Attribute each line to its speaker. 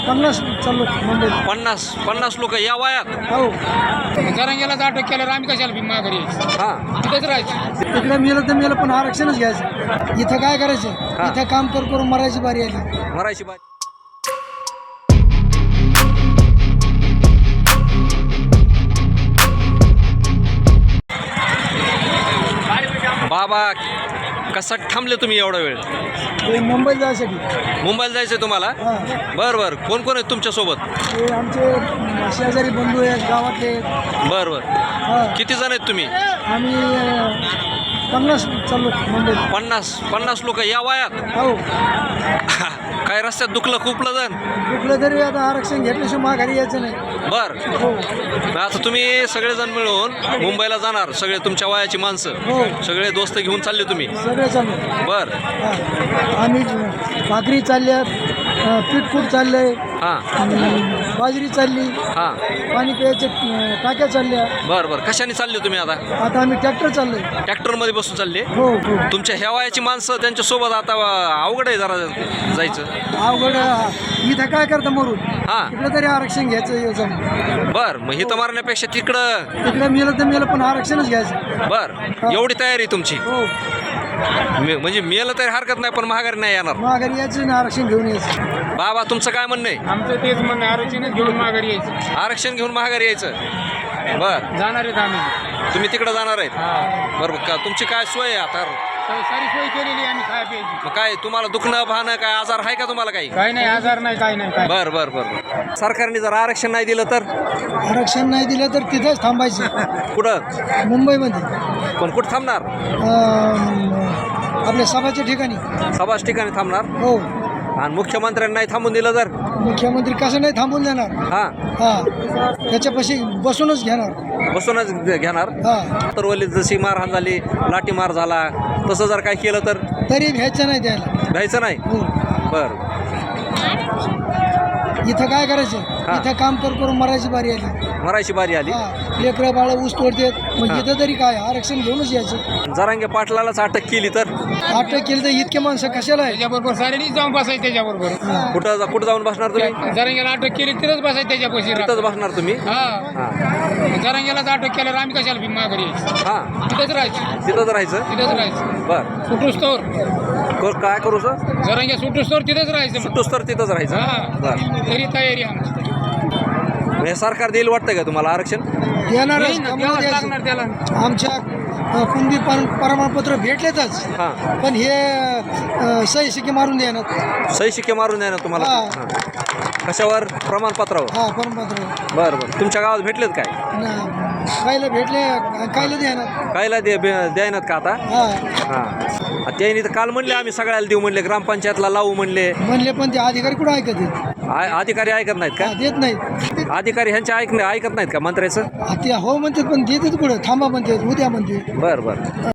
Speaker 1: 50 चाललो मुंबईत.
Speaker 2: 50 लोक या वयात.
Speaker 1: हो
Speaker 3: जरांगेलाच अटक केल्यावर आम्ही कशाला भीमा घरी यायचं?
Speaker 2: हा
Speaker 3: तिथंच राहायचं.
Speaker 1: तिकडे मेलं तर मेलं पण आरक्षणच घ्यायचं. इथं काय करायचं?
Speaker 2: हा.
Speaker 1: इथं काम करून मरायची बारी आली.
Speaker 2: मरायची बात. बाबा कसा थांबले तुम्ही एवढा वेळ?
Speaker 1: ते मुंबईत जायसाठी.
Speaker 2: मुंबईला जायचंय तुम्हाला?
Speaker 1: हा.
Speaker 2: बरं बरं. कोण कोण आहेत तुमच्यासोबत?
Speaker 1: ते आमचे शेजारी बंधू आहेत गावातले.
Speaker 2: बरं बरं.
Speaker 1: हा.
Speaker 2: किती जण आहेत तुम्ही?
Speaker 1: आम्ही 50 चाललो मुंबईत.
Speaker 2: 50 लोक या वयात.
Speaker 1: हो
Speaker 2: काय रस्त्यात दुखलं खूपलं जण?
Speaker 1: कुठलं तरी आता आरक्षण घेतल्याशिवाय माघारी यायचं नाही.
Speaker 2: बर.
Speaker 1: हो
Speaker 2: आता तुम्ही सगळेजण मिळून मुंबईला जाणार, सगळे तुमच्या वयाची माणसं,
Speaker 1: हो
Speaker 2: सगळे दोस्त घेऊन चालले तुम्ही?
Speaker 1: सगळे चालू.
Speaker 2: बर.
Speaker 1: आम्ही भाकरी चालल्यात, पीठकूट चाललंय,
Speaker 2: हां
Speaker 1: बाजरी चालली,
Speaker 2: हां.
Speaker 1: पाणी प्यायचे टाक्या चालल्या.
Speaker 2: बर बर. कशाने चालले तुम्ही आता?
Speaker 1: आता आम्ही ट्रॅक्टर चाललोय.
Speaker 2: ट्रॅक्टरमध्ये बसून चालले?
Speaker 1: हो हो
Speaker 2: तुमच्या ह्या वयाची माणसं त्यांच्यासोबत आता अवघड आहे जरा जायचं.
Speaker 1: अवघड. इथं काय करता मरून?
Speaker 2: हां.
Speaker 1: तिकडे तरी आरक्षण घ्यायचं जाऊन.
Speaker 2: बर. मग इथं मारण्यापेक्षा तिकडं.
Speaker 1: तिकडे मेलं तर मेलं पण आरक्षणच घ्यायचं.
Speaker 2: बर. एवढी तयारी तुमची?
Speaker 1: हो
Speaker 2: म्हणजे मेलं तरी हरकत नाही, पण महागारी नाही येणार.
Speaker 1: माघारी यायचं ना, आरक्षण घेऊन यायचं.
Speaker 2: बाबा तुमचं काय म्हणणं आहे?
Speaker 3: आमचं तेच म्हणणं, आरक्षणच घेऊन माघारी यायचं.
Speaker 2: आरक्षण घेऊन महागारी यायचं. बर.
Speaker 3: जाणार आहेत आम्ही.
Speaker 2: तुम्ही तिकडं जाणार आहेत?
Speaker 3: हा.
Speaker 2: बरोबर. का तुमची काय सोय आहे आता?
Speaker 3: सारी सोय केलेली आम्ही खाय प्यायची.
Speaker 2: मग काय तुम्हाला दुखणं भाणं काय आजार आहे का तुम्हाला काही?
Speaker 3: काही नाही, आजार नाही, काही नाही, काय.
Speaker 2: बर बर बर बर. सरकारने जर आरक्षण नाही दिलं तर?
Speaker 1: आरक्षण नाही दिलं तर तिथंच थांबायचं
Speaker 2: कुठं?
Speaker 1: मुंबईमध्ये.
Speaker 2: पण कुठं थांबणार?
Speaker 1: आपल्या सभाच्या ठिकाणी.
Speaker 2: सभाच ठिकाणी थांबणार?
Speaker 1: हो.
Speaker 2: आणि मुख्यमंत्र्यांनी नाही थांबून दिलं तर?
Speaker 1: मुख्यमंत्री कसं नाही थांबून देणार?
Speaker 2: हा.
Speaker 1: हा त्याच्यापाशी बसूनच घेणार.
Speaker 2: बसूनच घेणार.
Speaker 1: हा
Speaker 2: तर वली जशी मारहाण झाली, लाठीमार झाला, तसं जर काय केलं तर
Speaker 1: तरी घ्यायचं नाही त्याला.
Speaker 2: घ्यायचं नाही?
Speaker 1: हो.
Speaker 2: बर.
Speaker 1: इथं काय करायचं?
Speaker 2: हा.
Speaker 1: इथं काम करून मरायची बारी आली.
Speaker 2: मरायची बारी आली.
Speaker 1: हा लेकरं बाळ ऊस तोडतात. मग
Speaker 2: हा.
Speaker 1: इथं तरी काय आरक्षण घेऊनच यायचं.
Speaker 2: जरांगे पाटलालाच अटक केली तर?
Speaker 1: अटक केली तर इतके माणसं कशाला आहे?
Speaker 3: त्याच्याबरोबर सारेनीच जाऊन बसायचं त्याच्याबरोबर.
Speaker 2: कुठं जाऊन बसणार तुम्ही?
Speaker 3: जरांगेला अटक केली तिथंच बसायचं त्याच्यापाशी.
Speaker 2: तिथंच बसणार तुम्ही?
Speaker 3: हा.
Speaker 2: हा
Speaker 3: जरांगेलाच अटक केल्यावर आम्ही कशाला भीमा घरी यायचं?
Speaker 2: हा.
Speaker 3: तिथंच राहायचं.
Speaker 2: तिथंच राहायचं.
Speaker 3: तिथंच राहायचं.
Speaker 2: बर.
Speaker 3: सुटूस तर
Speaker 2: काय करू सर?
Speaker 3: जरांगे सुटूस तर तिथंच राहायचं मग.
Speaker 2: सुटूस तर तिथंच राहायचं.
Speaker 3: हा.
Speaker 2: बर.
Speaker 3: तरी तयारी आमची.
Speaker 2: हे सरकार देईल वाटतं का तुम्हाला आरक्षण?
Speaker 1: देणारच.
Speaker 3: येईन ना,
Speaker 1: कमवून
Speaker 3: द्यावंच
Speaker 1: द्यायचं.
Speaker 3: लागणार त्याला.
Speaker 1: आमच्या कुणबी प्रमाणपत्र भेटलेतच.
Speaker 2: हा.
Speaker 1: पण हे सही शिके मारून द्यायना.
Speaker 2: सही शिक्के मारून द्या ना तुम्हाला.
Speaker 1: हा.
Speaker 2: हा. कशावर? प्रमाणपत्रावर?
Speaker 1: हा प्रमाणपत्र.
Speaker 2: बरं बरं. तुमच्या गावात भेटलेत काय?
Speaker 1: कायला भेटले कायला द्यायना.
Speaker 2: कायला द्यायनात का आता?
Speaker 1: हा
Speaker 2: हां. त्यांनी तर काल म्हणले आम्ही सगळ्याला देऊ म्हणले, ग्रामपंचायतला लावू म्हणले.
Speaker 1: म्हणले पण ते अधिकारी कुठं ऐकत आहेत?
Speaker 2: अधिकारी ऐकत नाहीत का?
Speaker 1: देत नाहीत.
Speaker 2: अधिकारी ह्यांच्या ऐकत नाहीत का मंत्र्याचं?
Speaker 1: ते हो म्हणतात पण देतात कुठं? थांबा म्हणतात, उद्या म्हणते.
Speaker 2: बरं बरं.